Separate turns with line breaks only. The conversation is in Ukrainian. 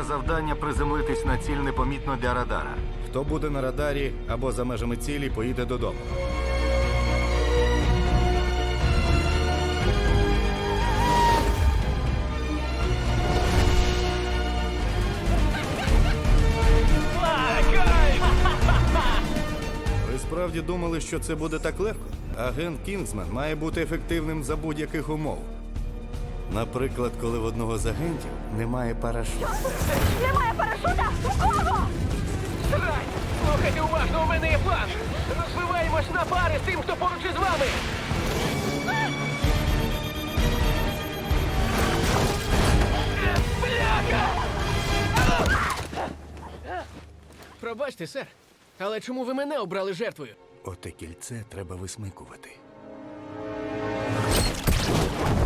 завдання приземлитись на ціль непомітно для радара.
Хто буде на радарі або за межами цілі, поїде додому. Ви справді думали, що це буде так легко? Агент Кінгсман має бути ефективним за будь-яких умов. Наприклад, коли в одного з агентів немає парашуту.
Немає парашута? У кого?
Срань! Слухайте уважно, у мене є план! Розбиваємось на пари з тим, хто поруч із вами! Бляха! Пробачте, сер, але чому ви мене обрали жертвою?
Оте кільце треба висмикувати.